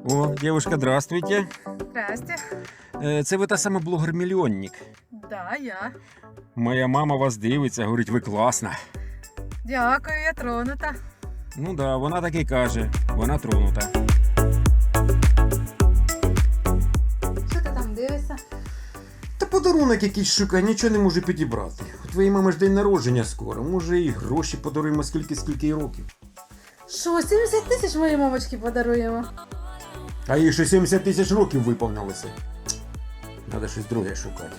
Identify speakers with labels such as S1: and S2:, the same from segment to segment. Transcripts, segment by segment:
S1: О, девушка, здравствуйте.
S2: Здрасте.
S1: Це ви та сама блогер-мільйонник.
S2: Да, я.
S1: Моя мама вас дивиться, говорить, ви класна.
S2: Дякую, я тронута.
S1: Ну да, вона так і каже, вона тронута.
S2: Що ти там дивишся?
S1: Та подарунок якийсь шукай, нічого не можу підібрати. У твоєї мами ж день народження скоро, може і гроші подаруємо скільки їй років.
S2: Що, 70 тисяч моїй мамочці подаруємо?
S1: А їй ще 70 тисяч років виповнилося. Треба щось друге шукати.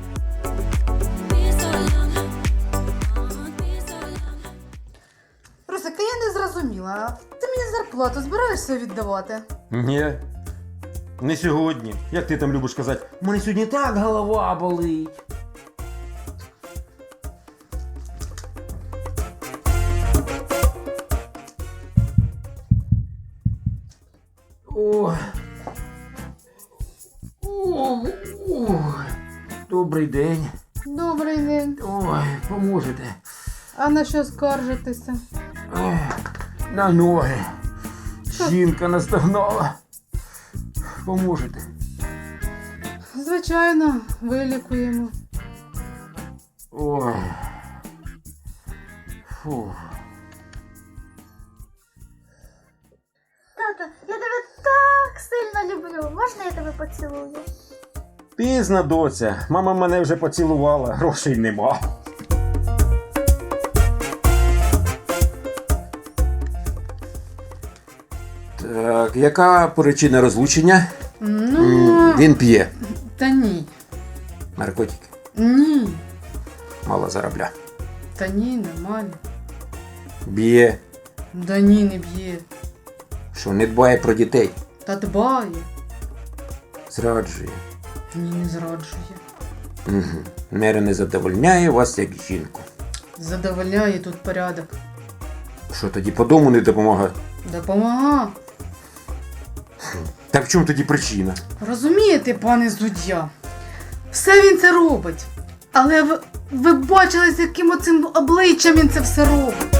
S2: Русика, я не зрозуміла. Ти мені зарплату збираєшся віддавати?
S1: Ні. Не сьогодні. Як ти там любиш казати, у мене сьогодні так голова болить. Ой. Ой. Добрий день.
S2: Добрий день.
S1: Ой, поможете.
S2: А на що скаржитися?
S1: Ой, на ноги. Жінка настогнала. Поможете.
S2: Звичайно, вилікуємо.
S1: Ой. Фу.
S3: Тато, я тебе так сильно люблю. Можна я тебе поцілую?
S1: Пізно, доця. Мама мене вже поцілувала, грошей нема. Так, яка причина розлучення?
S2: Ну,
S1: Він п'є.
S2: та ні.
S1: Наркотики.
S2: Ні.
S1: Мало заробля.
S2: Та ні, нормально.
S1: Б'є.
S2: Да ні, не б'є.
S1: Що не дбає про дітей.
S2: Та дбає.
S1: Зраджує.
S2: Ні, не зраджує.
S1: Угу. Мера не задовольняє вас як жінку.
S2: Задовольняє тут порядок.
S1: Що тоді по дому не допомагає?
S2: Допомага.
S1: Так в чому тоді причина?
S2: Розумієте, пане суддя? Все він це робить. Але ви бачили, з яким оцим обличчям він це все робить.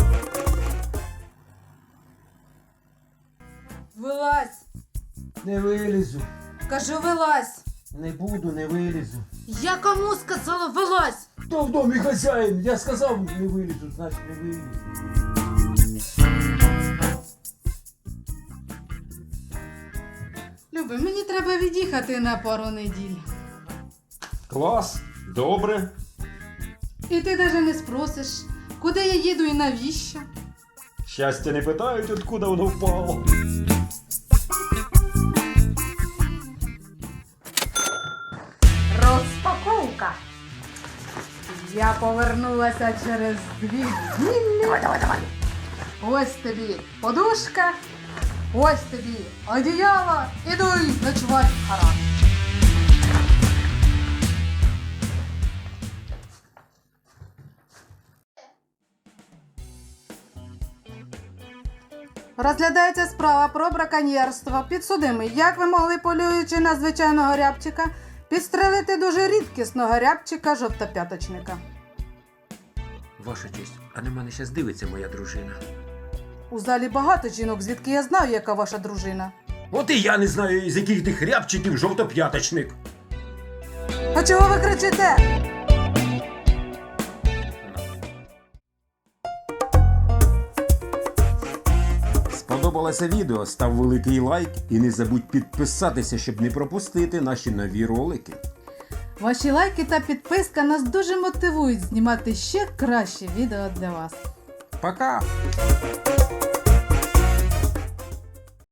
S2: Вилазь.
S1: Не вилізу.
S2: Кажу, вилазь.
S1: Не буду, не вилізу.
S2: Я кому сказала, вилазь.
S1: Хто в домі хазяїн? Я сказав, не вилізу, значить не вилізу.
S2: Люби, мені треба від'їхати на пару неділь.
S1: Клас, добре.
S2: І ти навіть не спросиш, куди я їду і навіщо.
S1: Щастя не питають, откуда воно впало.
S2: Розпаковка. Я повернулася через 2 неділі. Давай. Ось тобі подушка, ось тобі одіяло, іду ночувати в харам. Розглядається справа про браконьєрство. Підсудимий, як ви могли, полюючи на звичайного рябчика, підстрелити дуже рідкісного рябчика жовтоп'яточника?
S1: Ваша честь, а на мене зараз дивиться моя дружина.
S2: У залі багато жінок, звідки я знаю, яка ваша дружина.
S1: От і я не знаю, з яких тих рябчиків жовтоп'яточник.
S2: А чого ви кричите?
S1: Сподобалося відео, став великий лайк і не забудь підписатися, щоб не пропустити наші нові ролики.
S2: Ваші лайки та підписка нас дуже мотивують знімати ще кращі відео для вас.
S1: Пока!